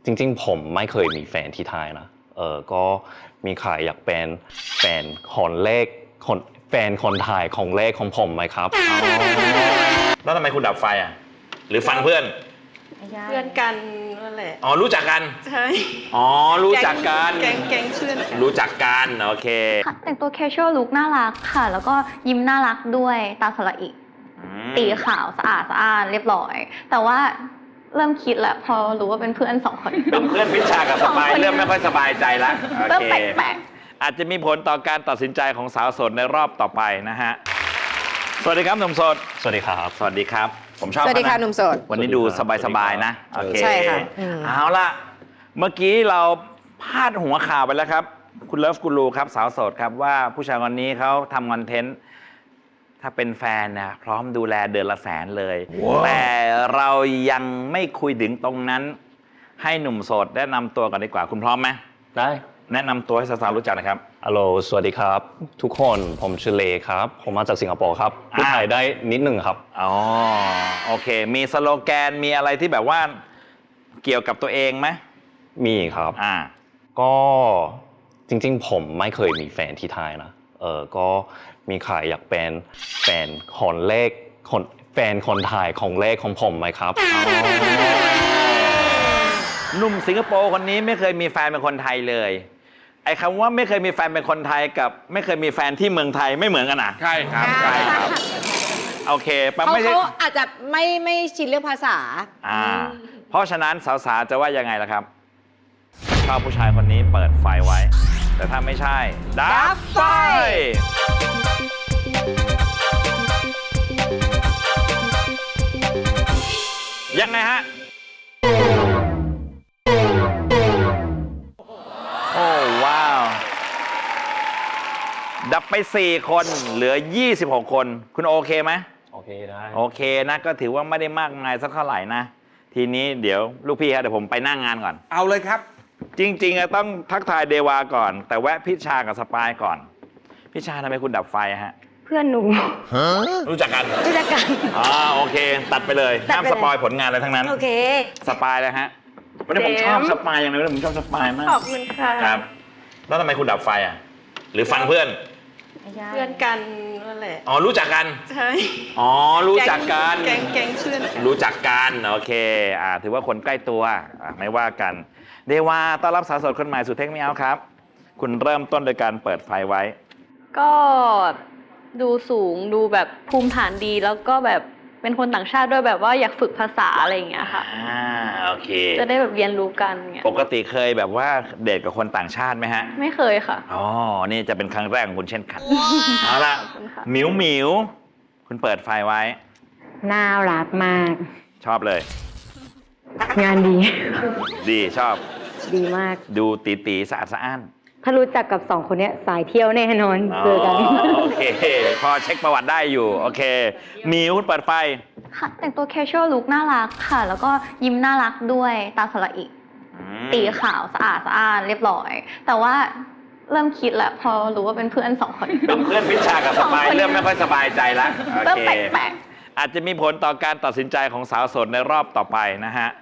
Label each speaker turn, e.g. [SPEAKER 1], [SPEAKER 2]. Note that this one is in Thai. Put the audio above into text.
[SPEAKER 1] จริงๆผมไม่เคยมีแฟนที่ไทยนะก็มีใครอยากเป็นแฟนคนแรกแฟนคนไทยของแรกของผมไหมครับ
[SPEAKER 2] แล้วทำไมคุณดับไฟอ่ะหรือฟังเพื่อน
[SPEAKER 3] เพื่อนกันนั่นแหละ
[SPEAKER 2] อ๋อรู้จักกัน
[SPEAKER 3] ใช่
[SPEAKER 2] อ๋อรู้จักกัน
[SPEAKER 3] แก๊งเพื่อนกัน
[SPEAKER 2] รู้จักกันโอเค
[SPEAKER 4] แต่งตัว casual look น่ารักค่ะแล้วก็ยิ้มน่ารักด้วยตาสละอิตีขาวสะอาดเรียบร้อยแต่ว่าเริ่มคิดแล้วพอรู้ว่าเป็นเพื่อน2 คน
[SPEAKER 2] เป็นเพื่อนพิชชากับสปายเริ่มไม่ค่อยสบายใจละ
[SPEAKER 4] เริ่มแปลก
[SPEAKER 2] อาจจะมีผลต่อการตัดสินใจของสาวโสดในรอบต่อไปนะฮะสวัสดีครับหนุ่มโสด
[SPEAKER 1] สวัสดีครับ
[SPEAKER 2] สวัสดีครับผมชอบ
[SPEAKER 3] สวัสดีค่ะหนุ่มโสด
[SPEAKER 2] วันนี้ดูสบายๆนะโอเค
[SPEAKER 3] ใช่ค่ะ
[SPEAKER 2] เอาละเมื่อกี้เราพาดหัวข่าวไปแล้วครับคุณเลิฟกูรูครับสาวโสดครับว่าผู้ชายคนนี้เขาทำคอนเทนต์ถ้าเป็นแฟนนะพร้อมดูแลเดือนละ100,000เลย แต่เรายังไม่คุยถึงตรงนั้นให้หนุ่มโสดแนะนำตัวกันดีกว่าคุณพร้อมไหม
[SPEAKER 1] ได้
[SPEAKER 2] แนะนำตัวให้สาวๆรู้จักนะครับ
[SPEAKER 1] ฮัลโหลสวัสดีครับทุกคนผมชื่อเลครับผมมาจากสิงคโปร์ครับพูดไทยได้นิดนึงครับ
[SPEAKER 2] อ๋อโอเคมีสโลแกนมีอะไรที่แบบว่าเกี่ยวกับตัวเองไหม
[SPEAKER 1] มีครับก็จริงๆผมไม่เคยมีแฟนที่ไทยนะก็มีใครอยากเป็นแฟนคนแรกแฟนคนไทยของแรกของผมไหมครับ
[SPEAKER 2] หนุ่มสิงคโปร์คนนี้ไม่เคยมีแฟนเป็นคนไทยเลยไอ้คำว่าไม่เคยมีแฟนเป็นคนไทยกับไม่เคยมีแฟนที่เมืองไทยไม่เหมือนกันนะ
[SPEAKER 5] ใช่ครับ
[SPEAKER 2] ใช่ครับโอเค
[SPEAKER 3] เขาอาจจะไม่ชินเรื่องภาษา
[SPEAKER 2] เพราะฉะนั้นสาวๆจะว่ายังไงล่ะครับชอบผู้ชายคนนี้เปิดไฟไว้แต่ถ้าไม่ใช่ดับไฟยังไงฮะโอ้ว้าวดับไป4 คนเหลือ26 คนคุณโอเคไหม
[SPEAKER 1] โอเคได้
[SPEAKER 2] โอเคนะก็ถือว่าไม่ได้มากมายสักเท่าไหร่นะทีนี้เดี๋ยวลูกพี่ครับเดี๋ยวผมไปนั่งงานก่อน
[SPEAKER 5] เอาเลยครับ
[SPEAKER 2] จริงๆต้องทักทายเดวาก่อนแต่แวะพิชชากับสปายก่อนพิชชาทำไมคุณดับไฟฮะ
[SPEAKER 4] เพื่อนหนู
[SPEAKER 2] รู้จักกันโอเคตัดไปเลยห้ามสปอยผลงานอะไรทั้งนั้น
[SPEAKER 4] โอเค
[SPEAKER 2] สปายเลยฮะวันนี้ผมชอบสปายอย่างไรผมชอบสปายมาก
[SPEAKER 4] ขอบคุณค่ะ
[SPEAKER 2] ครับแล้วทำไมคุณดับไฟอ่ะหรือฟังเพื่อน
[SPEAKER 3] กันนั่นแหละ
[SPEAKER 2] อ๋อรู้จักกัน
[SPEAKER 3] ใช่
[SPEAKER 2] อ๋อรู้จักกัน
[SPEAKER 3] แก๊งเพื่อนกัน
[SPEAKER 2] รู้จักกันโอเคถือว่าคนใกล้ตัวไม่ว่ากันเดวาต้อนรับสาวโสดคนใหม่สู่เทคนิคเอาครับคุณเริ่มต้นโดยการเปิดไฟไว้
[SPEAKER 4] ก็ดูสูงดูแบบภูมิฐานดีแล้วก็แบบเป็นคนต่างชาติด้วยแบบว่าอยากฝึกภาษาอะไรอย่างเงี้ยค่ะ
[SPEAKER 2] โอเค
[SPEAKER 4] จะได้แบบเรียนรู้กันเงี้ย
[SPEAKER 2] ปกติเคยแบบว่าเดทกับคนต่างชาติไหมฮะ
[SPEAKER 4] ไม่เคยค่ะ
[SPEAKER 2] อ๋อนี่จะเป็นครั้งแรกของคุณเช่นกันเอาละหมิวคุณเปิดไฟไว้
[SPEAKER 4] น่ารักมาก
[SPEAKER 2] ชอบเลย
[SPEAKER 4] งาน
[SPEAKER 2] ดีชอบ
[SPEAKER 4] ดีมาก
[SPEAKER 2] ดูตีสะอาดสะอ้าน
[SPEAKER 4] ถ้ารู้จักกับ2 คนนี้สายเที่ยวแน่นอนเจอกัน
[SPEAKER 2] โอเคพอเช็คประวัติได้อยู่โอเคมิวเปิดไฟ
[SPEAKER 4] ค่ะแต่งตัว casual look น่ารักค่ะแล้วก็ยิ้มน่ารักด้วยตาสละอิตีขาวสะอาดเรียบร้อยแต่ว่าเริ่มคิดแล้วพอรู้ว่าเป็นเพื่อน2 คน
[SPEAKER 2] เป็นเพื่อนพิชชากับสปายเริ่มไม่ค่อยสบายใจละ
[SPEAKER 4] เริ่มแปลก
[SPEAKER 2] อาจจะมีผลต่อการตัดสินใจของสาวโสดในรอบต่อไปนะฮะ